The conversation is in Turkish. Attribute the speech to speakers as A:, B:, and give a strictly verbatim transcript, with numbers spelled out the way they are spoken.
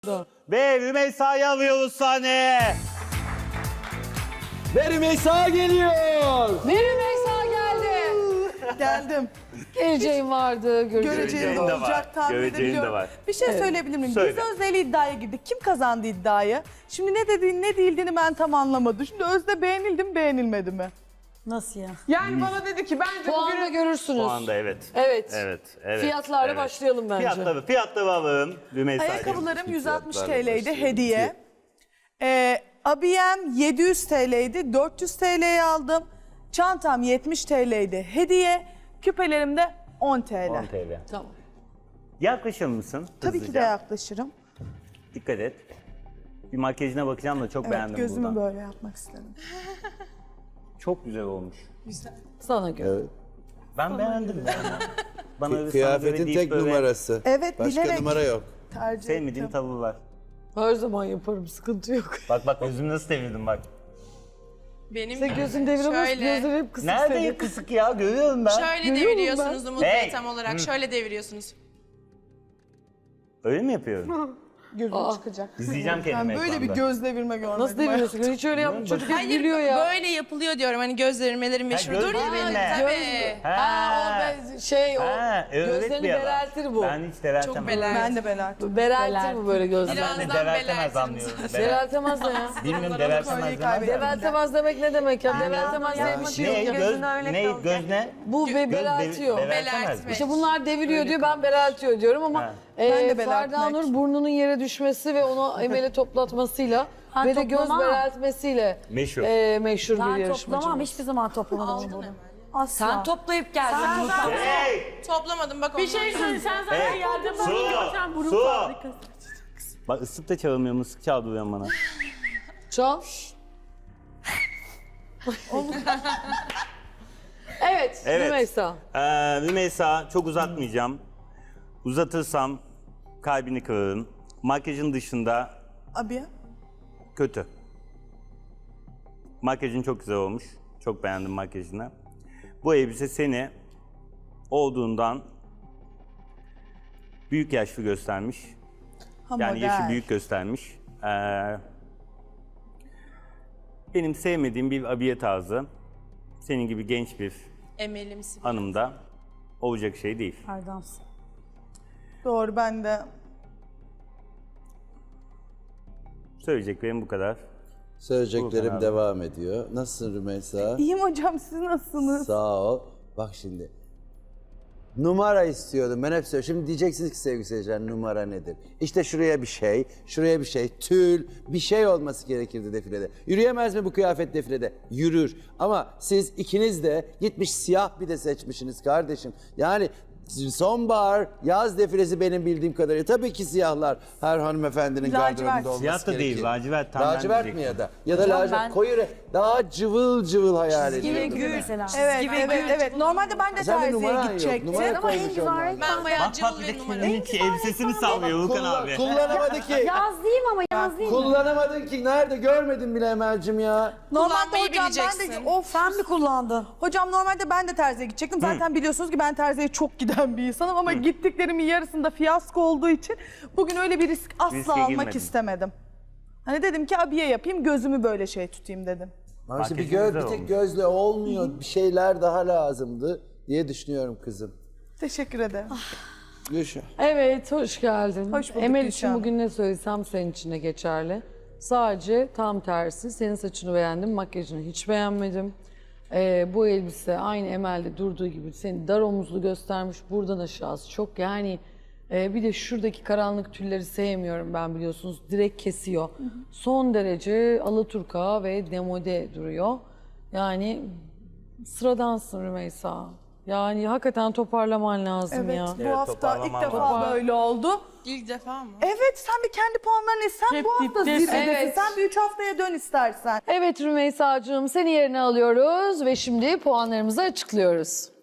A: Ve Rümeysa'yı alıyoruz sahneye.
B: Ve Rümeysa geliyor.
C: Ve Rümeysa geldi.
D: Geldim.
C: Geleceğin vardı, göreceğin
D: Göreceğim
A: Göreceğin
D: de
A: de
D: olacak
A: var,
D: tahmin
A: göreceğin de
D: edebiliyorum.
A: var.
D: Bir şey
C: Evet.
D: söyleyebilir miyim?
A: Söyle.
D: Biz Özde ile iddiaya girdik. Kim kazandı iddiayı? Şimdi ne dediğini ne değildiğini ben tam anlamadım. Şimdi Özde beğenildi mi beğenilmedi mi?
E: Nasıl ya?
F: Yani bana dedi ki bence
C: Puanla
F: bugün
C: görürsünüz.
A: Şu anda evet.
C: Evet.
A: Evet, evet.
C: Fiyatlarla
A: evet.
C: başlayalım bence.
A: Fiyatları, fiyatları alalım Rümeysa'cığım.
D: Ayakkabılarım yüz altmış
B: fiyatlarla
D: T L'ydi
B: başlayalım.
D: hediye. Ee, abiyem yedi yüz T L'ydi. dört yüz T L'ye aldım. Çantam yetmiş T L'ydi hediye. Küpelerim de on T L.
A: on T L.
C: Tamam.
A: Yaklaşır mısın?
D: Tabii ki de
A: hızlıca?
D: yaklaşırım.
A: Dikkat et. Bir makyajına bakacağım da çok
D: Evet,
A: beğendim
D: gözümü
A: buradan.
D: böyle yapmak istedim.
A: Çok güzel olmuş.
C: Sana göre.
B: Evet.
A: Ben beğendim. ya. Bana öyle sana
B: Kıyafetin
A: göre deyip
B: tek
A: böyle
B: numarası.
D: Evet,
B: Başka
D: bilerek.
B: numara yok.
D: Tercih
A: Sevmediğim
D: ettim.
A: tavuğu var.
C: Her zaman yaparım, sıkıntı yok.
A: Bak bak gözümü nasıl devirdim bak.
G: Benim
C: Sen gözün deviremez,
G: Şöyle.
C: gözleri hep kısık
A: Nerede
C: senin.
A: ya kısık ya görüyorum ben.
G: şöyle
C: Görüyor muyum
G: deviriyorsunuz
C: ben?
G: Umut
A: Hey!
G: Bey tam olarak. Şöyle deviriyorsunuz.
A: Öyle mi yapıyorum?
D: Gözüm
C: Aa.
D: çıkacak.
A: İzleyeceğim
D: Ben
A: kendimi
D: böyle bir
A: ekranda.
D: göz devirme görmedim.
C: Nasıl deviriyorsun? Hiç öyle yapma, çocuk hep
G: Hayır
C: gülüyor ya.
G: böyle yapılıyor diyorum. Hani göz devirmeleri meşhurdur
A: göz
G: ya benim.
A: devirme.
G: Tabii.
C: Ha, o be- şey o,
A: Ha, evet
C: gözlerini
A: bir adam.
C: bereltir bu.
A: Ben hiç bereltemem.
G: Çok beler.
D: Ben de belertim.
C: Bereltir bu böyle gözleri.
G: Biraz-
A: Ben de
G: Birazdan
A: bereltemez
G: belertirim
A: anlıyorum. Berel-
C: Bereltemez ne ya?
A: Bilmiyorum bereltemez
D: Kolyeyi
A: demez.
D: kaybettim.
C: Bereltemez demek ne demek ya? Bereltemez
D: ya.
C: demek
A: Ne
C: yok.
A: göz, ne göz ne?
C: Bu be
A: Göz
C: bereltiyor.
A: devi- bereltemez mi?
G: Belertmek.
C: İşte bunlar deviriyor diyor, ben bereltiyor diyorum ama
A: Ha.
C: e,
D: Ben de
C: Ferda
D: belertmek.
C: Nur burnunun yere düşmesi ve onu emele toplatmasıyla
E: Ben
C: ve de göz
E: toplamam.
C: bereltmesiyle
A: Meşhur.
C: e, meşhur bir
E: Ben
C: yarışmacımız.
E: toplamam, hiçbir zaman toplamadım
G: Aldın
E: bunu.
G: hemen.
E: Asla.
H: Sen toplayıp geldin.
A: Hey!
G: Toplamadım bak
H: Bir şey
G: ondan.
H: söyle, sen zaten
A: Hey!
H: geldin bana
A: Su!
H: görsen burun
A: Su!
H: fabrikası.
A: Bak ıslık da çalmıyor, mısık çaldırıyor bana.
C: Çal. evet,
A: Evet.
C: Rümeysa.
A: Ee, Rümeysa çok uzatmayacağım. Uzatırsam kalbini kırarım. Makyajın dışında
D: Abiye.
A: kötü. Makyajın çok güzel olmuş. Çok beğendim makyajını. Bu elbise seni olduğundan büyük yaşlı göstermiş.
D: Ha,
A: Yani
D: model.
A: yaşı büyük göstermiş. Ee, benim sevmediğim bir abiye tarzı. Senin gibi genç bir
G: Emelimsi.
A: hanımda olacak şey değil.
E: Erdem'sin.
D: Doğru ben de.
A: Söyleyeceklerim bu kadar.
B: Söyleyeceklerim
A: Volkan abi.
B: devam ediyor. Nasılsın Rümeysa?
D: İyiyim hocam siz nasılsınız?
B: Sağ ol. Bak şimdi. Numara istiyordum. Ben hep söylüyorum. Şimdi diyeceksiniz ki sevgili seyirciler numara nedir? İşte şuraya bir şey, şuraya bir şey, tül, bir şey olması gerekirdi defilede. Yürüyemez mi bu kıyafet defilede? Yürür. Ama siz ikiniz de gitmiş siyah bir de seçmişsiniz kardeşim. Yani sonbahar, yaz defilesi benim bildiğim kadarıyla. Tabii ki siyahlar her hanımefendinin
D: Lacivert.
B: gardırobunda olması
A: Siyah da değil,
B: gerekir.
A: lacivert, tam ben
B: Lacivert mi
A: diyecektim.
B: ya da? Ya da lacivert,
E: ben-
B: koyu renk. Daha cıvıl cıvıl hayal ediyorum.
E: Gibi mesela.
D: Evet, evet, evet. Normalde ben de
B: Sen de
D: terziye
B: numaran yok.
D: gidecektim.
B: Numara
E: Ama en
B: koymuş
E: güzel
B: onlar.
E: renk.
G: Ben bayağı
A: Bak bak
G: cıvıl
A: bir de
G: ve numara.
A: kendinin ki elbisesini sallıyor Volkan
B: Kullan-
A: abi.
B: Kullanamadı ki.
E: Yaz değil mi ama yaz değil mi?
B: Kullanamadın ki. Nerede görmedin bile Emel'cim ya.
D: Normalde
G: Kullanmayı
D: hocam ben de
G: bileceksin.
D: of
E: Sen mi kullandın?
D: hocam normalde ben de terziye gidecektim. Zaten biliyorsunuz ki ben terziye çok giden bir insanım ama gittiklerimin yarısında fiyasko olduğu için bugün öyle bir risk asla
A: Riske
D: almak
A: girmedin.
D: istemedim. Hani dedim ki abiye yapayım gözümü böyle şey tutayım dedim.
B: Ama işte bir,
A: Makyajın
B: göz,
A: güzel
B: bir tek
A: olmuş.
B: gözle olmuyor. Bir şeyler daha lazımdı diye düşünüyorum kızım.
D: Teşekkür ederim.
B: Yaşa.
C: Evet, hoş geldin.
D: Hoş bulduk
C: Emel
D: Gülşah
C: için
D: Hanım.
C: bugün ne söylesem senin için de geçerli. Sadece tam tersi, senin saçını beğendim, makyajını hiç beğenmedim. Ee, bu elbise aynı Emel'de durduğu gibi seni dar omuzlu göstermiş, buradan aşağısı çok yani... e, bir de şuradaki karanlık tülleri sevmiyorum ben biliyorsunuz, direkt kesiyor. Son derece alaturka ve demode duruyor. Yani sıradansın Rümeysa. Yani hakikaten toparlaman lazım
D: Evet
C: ya.
D: bu
A: Evet,
D: hafta ilk
A: toparlamam
D: defa
C: lazım.
D: böyle oldu.
G: İlk defa mı?
D: Evet sen bir kendi puanlarını sen
H: Hep
D: bu hafta
H: diptesin.
D: zirvedesin.
C: Evet.
D: Sen bir üç haftaya dön istersen.
C: Evet Rümeysa'cığım, seni yerine alıyoruz ve şimdi puanlarımızı açıklıyoruz.